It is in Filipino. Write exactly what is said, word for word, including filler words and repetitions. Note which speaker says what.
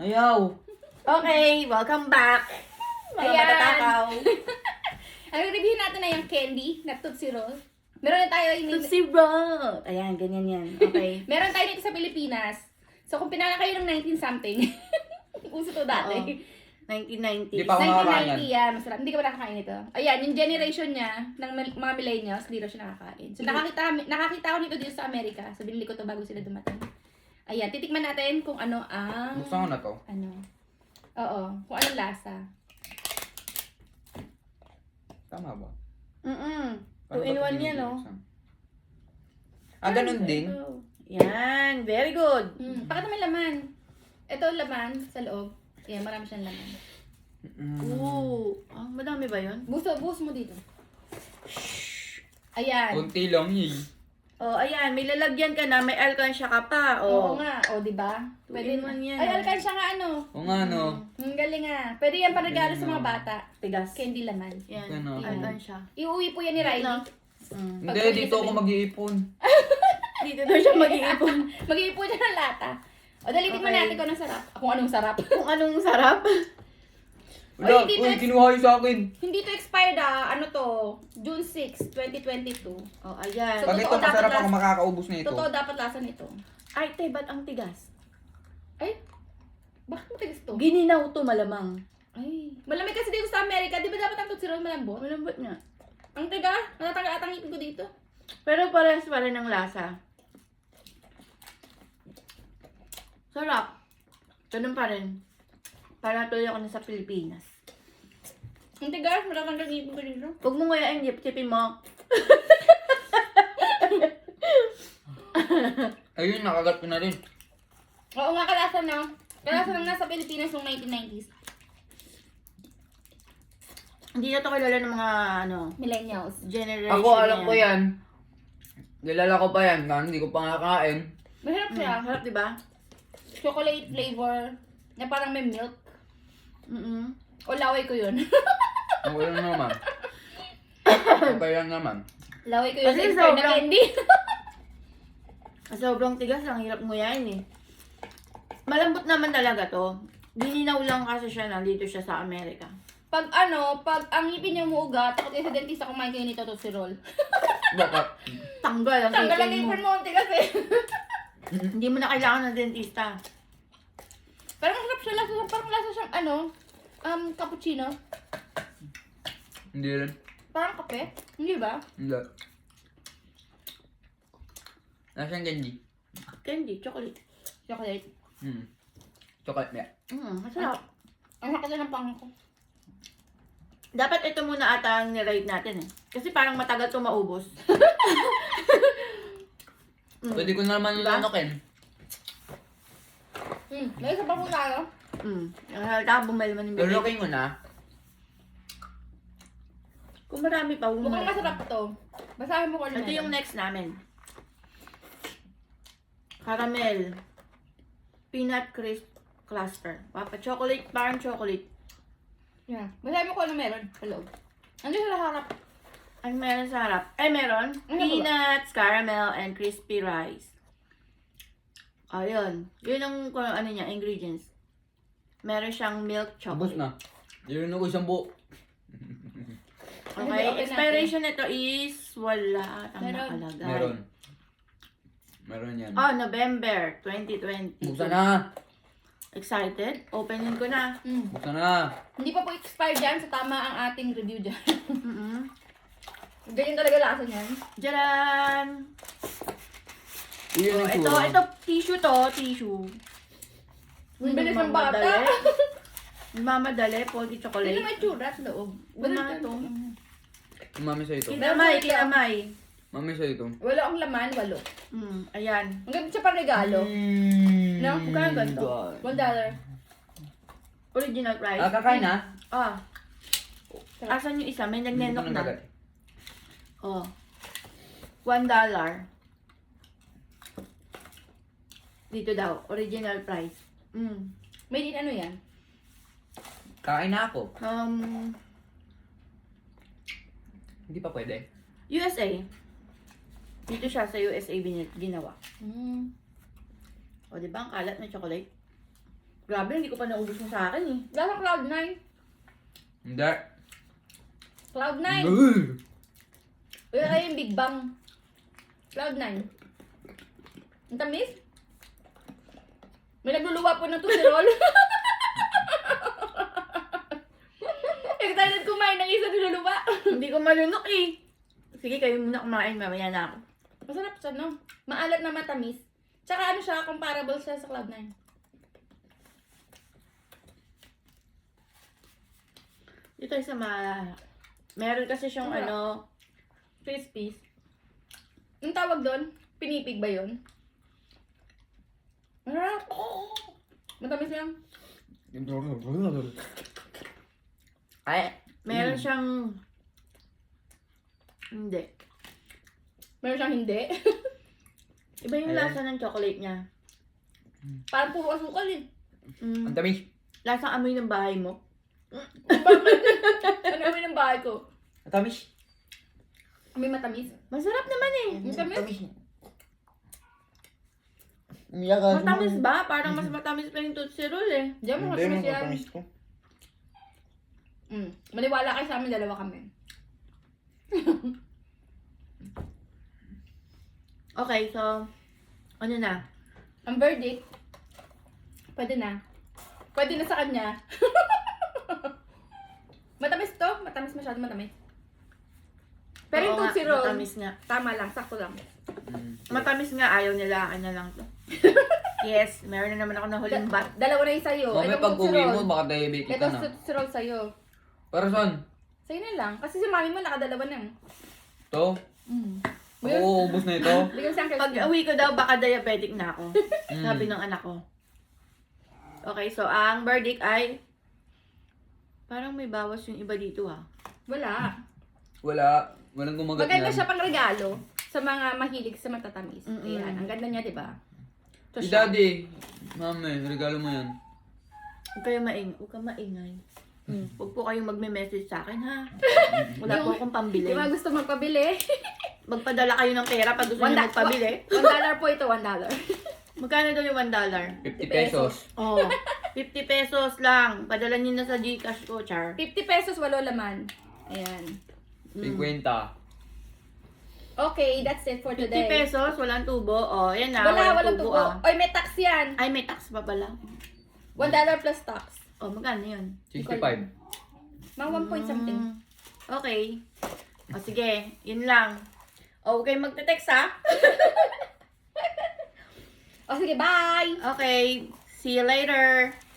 Speaker 1: Ayaw.
Speaker 2: Okay, welcome back. Mga
Speaker 3: Ayan.
Speaker 2: matatakaw.
Speaker 3: Ang review natin na yung candy na Tootsie Roll. Meron na tayo ini
Speaker 2: Tootsie Roll. Ayan, ganyan yan. Okay.
Speaker 3: Meron tayo dito sa Pilipinas. So kung pinala kayo ng nineteen something, uso to dati.
Speaker 2: Oo. nineteen ninety.
Speaker 1: Di pa ako
Speaker 3: nineteen
Speaker 1: nakakain
Speaker 3: ninety yan. Masarap. Hindi ka ba nakakain ito? Ayan, yung generation niya ng mil- mga millennials, hindi daw siya nakakain. So nakakita, nakakita ako nito dito sa Amerika. So binili ko to bago sila dumating. Ayan, titikman natin kung ano ang...
Speaker 1: Buksan ko na to.
Speaker 3: Ano? Oo, kung anong lasa.
Speaker 1: Tama ba?
Speaker 2: Mm-mm.
Speaker 1: Paano
Speaker 2: Two in
Speaker 1: ba ito
Speaker 2: one yan, no?
Speaker 1: binubuksan? Ah, ganun din?
Speaker 2: Ito. Yan, very good.
Speaker 3: Hmm. Pakita mo yung laman. Ito ang laman sa loob. Ayan, marami siyang laman.
Speaker 1: Mm.
Speaker 2: Ooh. Ah, madami ba yun?
Speaker 3: Buso, buhos mo dito. Ayan.
Speaker 1: Kunti lang yun.
Speaker 2: Oh, ayan, may lalagyan ka na, may alkansya ka pa.
Speaker 3: Oo
Speaker 2: Oh.
Speaker 3: nga. O, di ba?
Speaker 2: Two
Speaker 3: Pwede
Speaker 2: in
Speaker 3: na.
Speaker 2: one yan.
Speaker 3: Ay, alkansya nga ano.
Speaker 1: O nga, no?
Speaker 3: Ang galing nga. Pwede yan panregalo sa mga
Speaker 1: Galing, no?
Speaker 3: bata.
Speaker 2: Tigas.
Speaker 3: Candy laman.
Speaker 2: Yan,
Speaker 1: Ano?
Speaker 2: alkansya.
Speaker 3: Iuwi po yan ni Riley.
Speaker 2: Mm.
Speaker 1: Hindi, dito ako mag-iipon.
Speaker 2: Dito daw siya mag-iipon.
Speaker 3: Mag-iipon siya ng lata. O, dalitin mo
Speaker 2: Okay.
Speaker 3: natin kung anong sarap. Kung anong sarap.
Speaker 2: Kung anong sarap.
Speaker 1: Wala,
Speaker 3: hindi
Speaker 1: uy,
Speaker 3: to-
Speaker 1: kinuha yun sa akin.
Speaker 3: Hindi to expired ah. Ano to? June sixth, twenty twenty-two.
Speaker 2: Oh, ayan.
Speaker 3: So,
Speaker 1: Pag ito,
Speaker 3: totoo, dapat
Speaker 1: masarap
Speaker 3: last-
Speaker 1: ako makakaubos na ito.
Speaker 3: Totoo dapat lasa nito.
Speaker 2: Ay, te, ba't ang tigas?
Speaker 3: Ay, bakit mo tigas to?
Speaker 2: Gininaw to malamang.
Speaker 3: Ay, malamig kasi dito sa Amerika. Di ba dapat ang Tootsie Roll malambot?
Speaker 2: Malambot nga.
Speaker 3: Ang tiga, natatanggal at ang ngipin ko dito.
Speaker 2: Pero parehas pa rin ang lasa. Sarap. Ganun pa rin. Para tuloy ako na sa Pilipinas.
Speaker 3: Ang tiga, natatanggal ang ngipin ko dito.
Speaker 2: Huwag mo ngayon ang tipin mo.
Speaker 1: Ayun, nakagat ko na rin.
Speaker 3: Oo nga, kalasa na. Kalasa lang nasa Pilipinas noong nineteen nineties.
Speaker 2: Hindi na to kilala ng mga ano,
Speaker 3: Millennials.
Speaker 2: generation
Speaker 1: Ako, alam
Speaker 2: na
Speaker 1: ko yan. Nilala ko pa yan, kaya hindi ko pa nakakain.
Speaker 3: Masarap
Speaker 2: Mm,
Speaker 3: siya.
Speaker 2: sarap, diba?
Speaker 3: Chocolate flavor. Na parang may milk.
Speaker 2: Mm-mm.
Speaker 3: O laway ko yun.
Speaker 1: Okay lang naman. Okay lang naman.
Speaker 3: laway ko yun
Speaker 2: Kasi
Speaker 3: sa expired na
Speaker 2: sobrang-
Speaker 3: candy.
Speaker 2: Sobrang tigas, ang hirap mo yan eh. Malambot naman talaga to. Gininaw lang kasi siya, nandito siya sa Amerika.
Speaker 3: Pag ano, pag ang ngipin niya muugat, takot kayo sa dentista kumain kayo nito Tootsie Roll.
Speaker 1: Bakit?
Speaker 2: Tanggal ang
Speaker 3: Tanggal ang
Speaker 2: ngipin mo.
Speaker 3: ngipin mo, ang tigas eh.
Speaker 2: Hindi mo na kailangan ng dentista.
Speaker 3: Parang masarap siya, lasa, parang lasa siyang ano, um, cappuccino.
Speaker 1: Hindi rin.
Speaker 3: Parang kape. Hindi ba?
Speaker 1: Hindi. Nasaan candy?
Speaker 2: Candy, chocolate.
Speaker 3: Chocolate.
Speaker 1: Hmm. Chocolate niya.
Speaker 2: Mm, masarap.
Speaker 3: Ang sakit na ng pangako ko.
Speaker 2: Dapat ito muna ata ang niride natin eh. Kasi parang matagal to maubos. Mm.
Speaker 1: Pwede ko na naman
Speaker 2: Diba?
Speaker 1: lanokin.
Speaker 3: Hmm, may isa pa po tayo.
Speaker 2: Mm. Halata bumili man yung bibig.
Speaker 1: Lulukin ko na.
Speaker 2: Kung marami pa, huwag mo
Speaker 3: Mukhang
Speaker 2: na.
Speaker 3: masarap to. Basahin mo ko ano
Speaker 2: Ito yung
Speaker 3: meron.
Speaker 2: next namin. Caramel. Peanut crisp cluster. Papa chocolate, parang chocolate.
Speaker 3: Yeah. Basahin mo ko ano meron sa loob. Andiyan sa harap.
Speaker 2: Ano meron sa harap? Eh, meron.
Speaker 3: Ano ba?
Speaker 2: Peanuts, caramel, and crispy rice. Ayun. Yun ang kung ano niya, ingredients. Meron siyang milk
Speaker 1: Tapos
Speaker 2: chocolate.
Speaker 1: na. Yun ko isang buo.
Speaker 3: Ano
Speaker 2: Okay,
Speaker 3: ba, open
Speaker 2: expiration nito is wala atang
Speaker 3: Meron.
Speaker 2: nakalagay.
Speaker 1: Meron. Meron yan.
Speaker 2: Oh, November twenty twenty.
Speaker 1: Buksan na.
Speaker 2: Excited? Openin ko na.
Speaker 3: Hmm.
Speaker 1: Buksan na.
Speaker 3: Hindi pa po expired dyan, so tama ang ating review dyan.
Speaker 2: Mm-mm.
Speaker 3: Ganyan talaga lasa niyan.
Speaker 2: Jaran!
Speaker 1: Iyon
Speaker 2: Oh,
Speaker 1: ang
Speaker 2: ito,
Speaker 1: tsura.
Speaker 2: ito, tissue to, tissue.
Speaker 3: Ang bilis ng bata.
Speaker 2: Mamadali, pogi
Speaker 3: Hindi
Speaker 2: chocolate.
Speaker 3: naman tsura sa loob.
Speaker 2: Wala to.
Speaker 1: Mami sa ito.
Speaker 2: Kinamay, kinamay.
Speaker 1: Mami sa ito.
Speaker 3: Wala ang laman, walo.
Speaker 2: Mm, ayan.
Speaker 3: Ang ganda siya pang regalo.
Speaker 1: Mm.
Speaker 3: No? Magkano ganito?
Speaker 1: God.
Speaker 3: One dollar.
Speaker 2: Original price.
Speaker 1: Ah, kakain na?
Speaker 2: Ah. Asan yung isa? May nagnenok
Speaker 1: Hindi ko
Speaker 2: na.
Speaker 1: nagagat.
Speaker 2: Oh. One dollar. Dito daw. Original price. Mm.
Speaker 3: Made in ano yan?
Speaker 1: Kakain na ako.
Speaker 2: Um,
Speaker 1: Hindi pa pwede.
Speaker 2: U S A. Dito siya sa U S A bin- ginawa.
Speaker 3: Mm.
Speaker 2: O, di ba? Ang kalat na chocolate. Grabe, hindi ko pa naubos mo sa akin eh.
Speaker 3: Lasa Cloud nine.
Speaker 1: Hindi.
Speaker 3: Cloud nine.
Speaker 1: Ugh.
Speaker 3: Wala kayo yung Big Bang. Cloud nine. Ang tamis? May nagluluwa po ng tusirol. Excited kumain ng isa niluluwa.
Speaker 2: Hindi ko malunok eh. Sige, kayo muna kumain. Mamaya na ako.
Speaker 3: Masarap siya, no? Maalat na matamis. Tsaka ano siya, comparable siya sa Cloud nine.
Speaker 2: Dito sa ma... Meron kasi siyang
Speaker 3: Wala.
Speaker 2: ano... Crispies.
Speaker 3: Ang tawag doon? Pinipig ba yun? Masarap. Matamis lang.
Speaker 2: Ay, meron
Speaker 1: Mm.
Speaker 2: siyang... Hindi.
Speaker 3: Meron siyang hindi.
Speaker 2: Iba yung
Speaker 1: Ayan.
Speaker 2: lasa ng chocolate niya.
Speaker 3: Parang puro asukal eh.
Speaker 2: Mm.
Speaker 1: Ang tamis.
Speaker 2: Lasang amoy ng bahay mo.
Speaker 3: Ano naman ng bahay ko?
Speaker 1: Ang tamis.
Speaker 3: May matamis.
Speaker 2: Masarap naman eh.
Speaker 3: Matamis?
Speaker 2: Matamis ba? Parang mas matamis pa yung Tootsie Roll eh.
Speaker 3: Diyan mo
Speaker 1: Hindi,
Speaker 3: matamis yan.
Speaker 1: matamis ko.
Speaker 3: Mm. Maniwala kayo sa amin, dalawa kami.
Speaker 2: Okay, so... Ano na?
Speaker 3: Ang verdict, pwede na. Pwede na sa kanya. Matamis to? Matamis masyado matamis. Pero yung
Speaker 2: Oo nga,
Speaker 3: Tootsie Roll,
Speaker 2: matamis nga.
Speaker 3: tama lang, sakto lang.
Speaker 1: Mm.
Speaker 2: Matamis nga, ayaw nila. Akin na lang to. Yes, meron na naman ako na huling bat.
Speaker 3: Dalawa na yung sa'yo.
Speaker 1: Mamaya
Speaker 3: Itong
Speaker 1: pag
Speaker 3: Tootsie
Speaker 1: uwi
Speaker 3: Roll.
Speaker 1: mo, baka diabetic
Speaker 3: Ito
Speaker 1: ka na.
Speaker 3: Tootsie Roll sa'yo.
Speaker 1: Para saan?
Speaker 3: Sa'yo na lang. Kasi si mami mo nakadalawa na.
Speaker 1: Ito?
Speaker 3: Mm.
Speaker 1: Oo, ubos na ito.
Speaker 3: Bigyan mo siyang
Speaker 2: Pag
Speaker 3: Kirsten.
Speaker 2: uwi ko daw, baka diabetic na ako.
Speaker 1: Mm.
Speaker 2: Sabi ng anak ko. Okay, so ang verdict ay... Parang may bawas yung iba dito ha.
Speaker 3: Wala.
Speaker 1: Wala. Walang gumagat
Speaker 3: Maganda
Speaker 1: yan.
Speaker 3: siya pang regalo sa mga mahilig sa matatamis.
Speaker 2: Mm-mm.
Speaker 3: Ayan, ang ganda niya, di ba? Ito
Speaker 1: Si
Speaker 3: siya.
Speaker 1: daddy. Mami, regalo mo yan.
Speaker 2: Huwag kayo maing, huwag kang maingay. Hmm. Huwag po kayong magme-message sa akin ha. Wala po akong pambili.
Speaker 3: Di ba gusto magpabili?
Speaker 2: Magpadala kayo ng pera pag gusto
Speaker 3: One
Speaker 2: niyo
Speaker 3: da-
Speaker 2: magpabili.
Speaker 3: One dollar po ito, one dollar.
Speaker 2: Magkano daw yung one dollar?
Speaker 1: fifty pesos.
Speaker 2: Oh, fifty pesos lang. Padala niyo na sa Gcash ko, Char.
Speaker 3: fifty pesos, walo laman. Ayan.
Speaker 1: fifty.
Speaker 3: Okay, that's it for
Speaker 2: fifty
Speaker 3: today.
Speaker 2: pesos, walang tubo. Oh, yan na.
Speaker 3: Wala, walang tubo.
Speaker 2: ah.
Speaker 3: Oy, may tax yan.
Speaker 2: Ay, may tax pa pala.
Speaker 3: one dollar plus tax.
Speaker 2: Oh, magkano yun?
Speaker 1: sixty-five.
Speaker 3: Mga one point something.
Speaker 2: Mm, okay. O sige, yun lang. O, huwag kayong magte-text ha.
Speaker 3: O sige, bye!
Speaker 2: Okay, see you later.